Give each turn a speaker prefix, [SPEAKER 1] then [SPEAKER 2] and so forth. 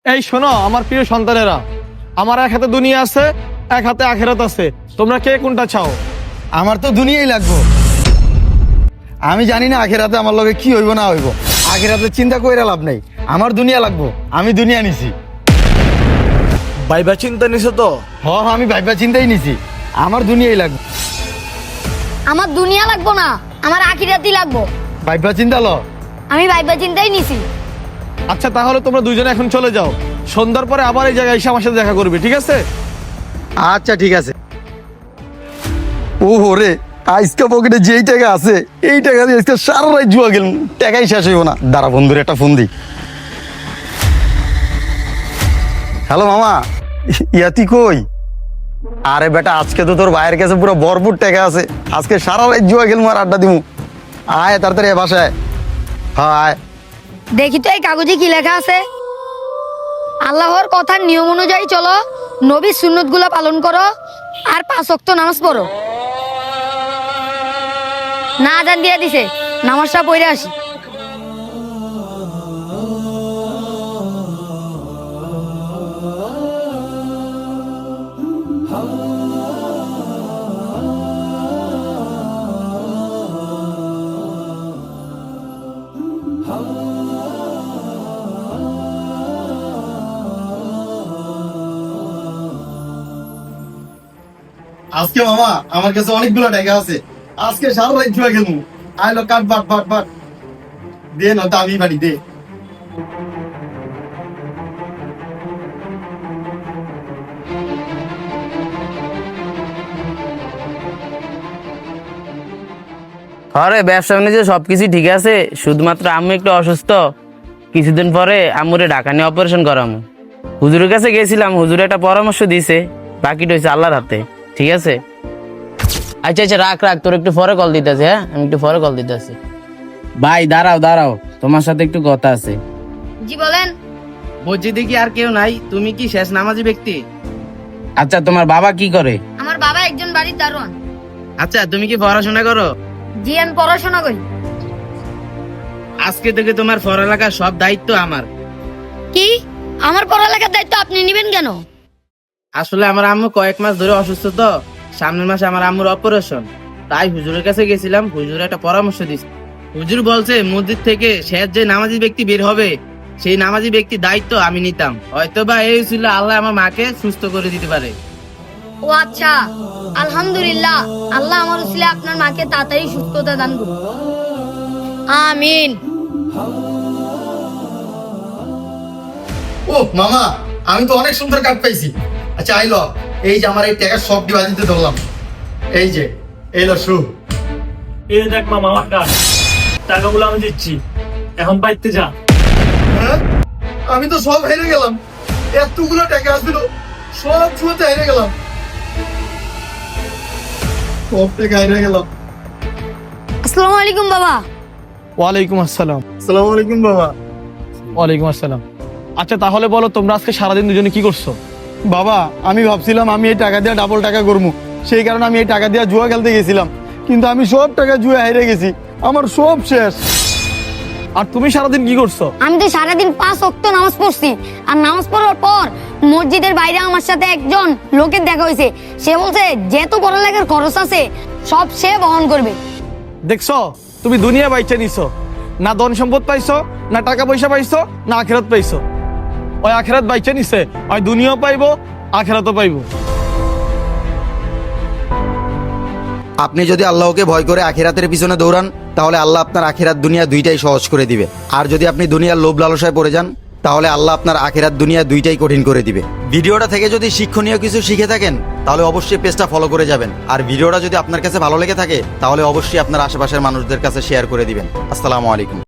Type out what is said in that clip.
[SPEAKER 1] এই শোনো আমার প্রিয় সন্তানেরা, আমার এক হাতে দুনিয়া আছে, এক হাতে আখিরাত আছে। তোমরা কে কোনটা চাও?
[SPEAKER 2] আমার তো দুনিয়াই লাগবো। আমি জানি না আখেরাতে আমার লগে কি হইব না হইব। আখেরাতে চিন্তা কইরা লাভ নাই, আমার দুনিয়া লাগবো। আমি দুনিয়া নিছি।
[SPEAKER 1] ভাইবা চিন্তা নিছো তো?
[SPEAKER 2] আমি ভাইবা চিন্তাই নিছি, আমার দুনিয়াই লাগবে।
[SPEAKER 3] আমার দুনিয়া লাগবো না, আমার আখিরাতই লাগবো।
[SPEAKER 2] ভাইবা চিন্তা ল।
[SPEAKER 3] আমি ভাইবা চিন্তাই নিছি।
[SPEAKER 1] আচ্ছা তাহলে তোমরা দুইজনে এখন চলে যাও, সন্ধ্যার পরে আবার এই জায়গায় এসে আমার সাথে দেখা করবে, ঠিক আছে?
[SPEAKER 2] আচ্ছা ঠিক আছে। ও রে, আজকে পকেটে যেই টাকা আছে এই টাকা দিয়ে আজকে সারা রাত জুয়া গেল, টাকাই শেষ হইব না। দাঁড়া বন্ধুর একটা ফোন দি। হ্যালো মামা, ইয়াতি কই? আরে বেটা, আজকে তো তোর ভাইয়ের কাছে পুরো ভরপুর টাকা আছে, আজকে সারা রাত জুয়া গেল আর আড্ডা দিমু। আয় তাড়াতাড়ি বাসায়। হ্যাঁ আয়।
[SPEAKER 3] দেখি তো এই কাগজে কি লেখা আছে। আল্লাহর কথার নিয়ম অনুযায়ী চলো, নবীর সুন্নত গুলা পালন করো, আর 5 ওয়াক্ত নামাজ পড়ো। না আজান দিয়ে দিছে, নামাজটা পড়ে আসি।
[SPEAKER 2] আজকে মামা আমার কাছে অনেকগুলো টাকা আছে, আজকে সারা রাত জুয়া গেল। আইলো কাট বাট বাট বাট দে না, দামি বাড়ি দে।
[SPEAKER 4] আরে ব্যবসা বাণিজ্য সবকিছু ঠিক আছে, শুধুমাত্র আম্মু একটু অসুস্থ। কিছুদিন পরে আম্মুরে ঢাকা নিয়ে অপারেশন করামু। হুজুরের কাছে গেছিলাম, হুজুর একটা পরামর্শ দিয়েছে, বাকিটা হয়েছে আল্লাহর হাতে। ঠিক আছে? আচ্ছা আচ্ছা, রাখ রাখ, তোর একটু পরে কল দিতেছে। হ্যাঁ, আমি একটু পরে কল দিতেছি। ভাই দাঁড়াও দাঁড়াও, তোমার সাথে একটু কথা আছে।
[SPEAKER 3] জি বলেন।
[SPEAKER 4] মসজিদে কি আর কেউ নাই? তুমি কি শেষ নামাজি ব্যক্তি? আচ্ছা, তোমার বাবা কি করে?
[SPEAKER 3] আমার বাবা একজন বাড়ির দারোয়ান।
[SPEAKER 4] আচ্ছা, তুমি কি পড়াশোনা করো?
[SPEAKER 3] জি আমি পড়াশোনা করি।
[SPEAKER 4] আজকে থেকে তোমার পড়ালেখার সব দায়িত্ব আমার।
[SPEAKER 3] কি? আমার পড়ালেখার দায়িত্ব আপনি নেবেন কেন?
[SPEAKER 4] আসলে আমার আম্মু কয়েক মাস ধরে অসুস্থ, তো সামনের মাসে আমার আম্মুর অপারেশন। তাই হুজুরের কাছে গেছিলাম, হুজুর একটা পরামর্শ দিচ্ছে। হুজুর বলছে মসজিদ থেকে শেষ যে নামাজি ব্যক্তি বের হবে, সেই নামাজি ব্যক্তির দায়িত্ব আমি নিতাম। হয়তোবা এই ছিল আল্লাহ আমার মাকে সুস্থ করে দিতে পারে।
[SPEAKER 3] ও আচ্ছা, আলহামদুলিল্লাহ। আল্লাহ আমার উসিলে আপনার মাকে তাড়াতাড়ি সুস্থতা দান করুন। আমিন।
[SPEAKER 2] ও মামা, আমি তো অনেক সুন্দর কাট পাইছি। আচ্ছা আইলো, এই যে আমার এই টাকা সব ডিভাইস দিতে ধরলাম। এই যে এইলো শু।
[SPEAKER 5] এই দেখ মামা, আমার কাজ, টাকাগুলো আমি দিচ্ছি, এখন বাইতে যা।
[SPEAKER 2] হ্যাঁ? আমি তো সব হেরে গেলাম, এতগুলো টাকা আসছিল, সব জুয়াতে হেরে গেলাম, সব টাকা হেরে গেলাম।
[SPEAKER 3] আসসালামু আলাইকুম বাবা।
[SPEAKER 1] ওয়ালাইকুম আসসালাম।
[SPEAKER 2] আসসালামু আলাইকুম বাবা।
[SPEAKER 1] ওয়ালাইকুম আসসালাম। আচ্ছা তাহলে বলো, তোমরা আজকে সারাদিন দুজনে কি করছো?
[SPEAKER 2] বাবা, আমি ভাবছিলাম আমি এই টাকা দিয়ে ডাবল টাকা করবো, সেই কারণে আমি এই টাকা দিয়ে জুয়া খেলতে গেছিলাম, কিন্তু আমি সব টাকা জুয়া হেরে গেছি, আমার সব শেষ।
[SPEAKER 1] আর তুমি সারাদিন কি করছো?
[SPEAKER 3] আমি তো সারাদিন 5 ওয়াক্ত নামাজ পড়ছি, আর নামাজ পড়ার পর মসজিদের বাইরে আমার সাথে একজন লোকের দেখা হয়েছে। সে বলছে যেহেতু পড়ালেখার খরচ আছে সব সে বহন করবে।
[SPEAKER 1] দেখছো, তুমি দুনিয়া বাইচে নিছো, না ধন সম্পদ পাইছো, না টাকা পয়সা পাইছো, না আখিরাত পাইছো। ওই আখিরাত বাইচে নিছে, ওই দুনিয়াও পাইবো, আখিরাতও পাইবো।
[SPEAKER 2] আপনি যদি আল্লাহকে ভয় করে আখিরাতের পিছনে দৌড়ান, তাহলে আল্লাহ আপনার আখিরাত দুনিয়া দুইটাই সহজ করে দিবে। আর যদি আপনি দুনিয়ার লোভ লালসায় পড়ে যান, তাহলে আল্লাহ আপনার আখিরাত দুনিয়া দুইটাই কঠিন করে দিবে। ভিডিওটা থেকে যদি শিক্ষণীয় কিছু শিখে থাকেন, তাহলে অবশ্যই পেজটা ফলো করে যাবেন। আর ভিডিওটা যদি আপনার কাছে ভালো লেগে থাকে, তাহলে অবশ্যই আপনার আশেপাশের মানুষদের কাছে শেয়ার করে দিবেন। আসসালামু আলাইকুম।